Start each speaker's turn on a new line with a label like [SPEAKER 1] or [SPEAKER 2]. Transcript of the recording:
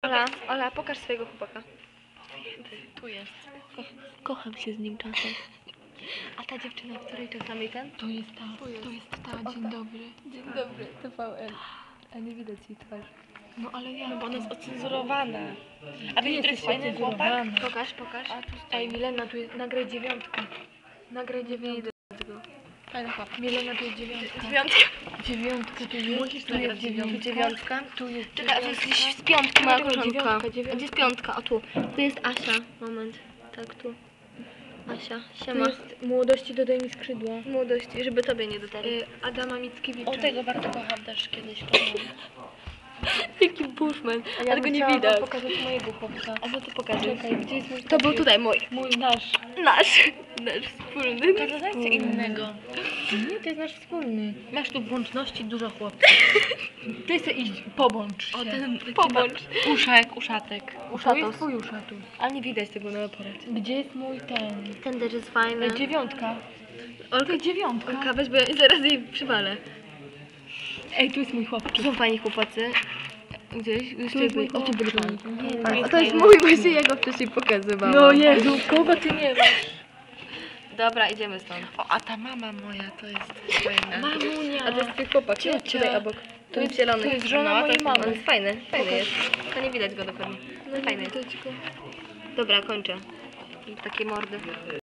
[SPEAKER 1] Ola, pokaż swojego chłopaka.
[SPEAKER 2] Tu jest.
[SPEAKER 1] Kocham się z nim czasem. A ta dziewczyna, której czasami ten?
[SPEAKER 2] To jest ta. Dzień dobry.
[SPEAKER 1] Dzień dobry, TVN. A nie widać jej twarzy.
[SPEAKER 2] No ale ja.
[SPEAKER 1] Bo ona jest ocenzurowana.
[SPEAKER 2] A wiesz, który jest fajny chłopak?
[SPEAKER 1] Pokaż.
[SPEAKER 2] Ej, Milena, tu jest. Nagraj 9. Nagraj 9.
[SPEAKER 1] Fajny chłopak.
[SPEAKER 2] Milena, tu jest 9.
[SPEAKER 1] 9.
[SPEAKER 2] 9 tu jest.
[SPEAKER 1] Musisz
[SPEAKER 2] tu jest
[SPEAKER 1] nagrać 9. 9.
[SPEAKER 2] Tu jest.
[SPEAKER 1] Czekaj, a to jest gdzieś z piątki moja
[SPEAKER 2] Dlaczego
[SPEAKER 1] koleżanka.
[SPEAKER 2] 9?
[SPEAKER 1] Gdzie jest piątka? O tu. Tu jest Asia. Moment. Tak, tu. Asia.
[SPEAKER 2] Tu
[SPEAKER 1] Siema.
[SPEAKER 2] jest młodości dodaj mi skrzydła.
[SPEAKER 1] Młodości, żeby tobie nie dotarli.
[SPEAKER 2] Adama Mickiewicza.
[SPEAKER 1] O, tego bardzo kocham też kiedyś. Jaki bushman.
[SPEAKER 2] A ja
[SPEAKER 1] Ale go nie
[SPEAKER 2] chciałam
[SPEAKER 1] widać.
[SPEAKER 2] pokazać mojego chłopca.
[SPEAKER 1] A no to pokażę.
[SPEAKER 2] Czekaj, gdzie jest mój
[SPEAKER 1] To był tutaj mój.
[SPEAKER 2] Mój nasz.
[SPEAKER 1] Nasz wspólny.
[SPEAKER 2] Pokażę innego. Nie, to jest nasz wspólny. Masz tu w łączności dużo chłopców. Ty chcesz iść, pobądź się.
[SPEAKER 1] O, ten
[SPEAKER 2] pobądź. Uszek, uszatek. To
[SPEAKER 1] Uszatos.
[SPEAKER 2] jest twój uszatus.
[SPEAKER 1] Ale nie widać tego na aparacie.
[SPEAKER 2] Gdzie jest mój ten?
[SPEAKER 1] Ten też jest fajny.
[SPEAKER 2] 9.
[SPEAKER 1] Olka,
[SPEAKER 2] 9.
[SPEAKER 1] Olka, weź, bo ja zaraz jej przywalę.
[SPEAKER 2] Ej, tu jest mój chłopczyk.
[SPEAKER 1] Tu są fajni chłopacy. Gdzieś? Gdzieś
[SPEAKER 2] Tu jest
[SPEAKER 1] tutaj
[SPEAKER 2] mój
[SPEAKER 1] byli. O, tu byli
[SPEAKER 2] chłopczyk.
[SPEAKER 1] fajni.
[SPEAKER 2] Nie,
[SPEAKER 1] To jest mój, właśnie ja go wcześniej pokazywałam.
[SPEAKER 2] No Jezu, kogo ty nie masz?
[SPEAKER 1] Dobra, idziemy stąd.
[SPEAKER 3] O, a ta mama moja to jest fajna.
[SPEAKER 2] Mamunia.
[SPEAKER 1] A to jest twój chłopak, nie?
[SPEAKER 2] Ciocia.
[SPEAKER 1] Tutaj obok.
[SPEAKER 2] To jest-
[SPEAKER 1] zielony.
[SPEAKER 2] to jest żona
[SPEAKER 1] No,
[SPEAKER 2] mojej
[SPEAKER 1] to-
[SPEAKER 2] mamy.
[SPEAKER 1] On jest fajny, fajny
[SPEAKER 2] Pokaż.
[SPEAKER 1] jest. To nie widać go dokładnie. No fajny jest. Dobra, kończę. Takie mordy.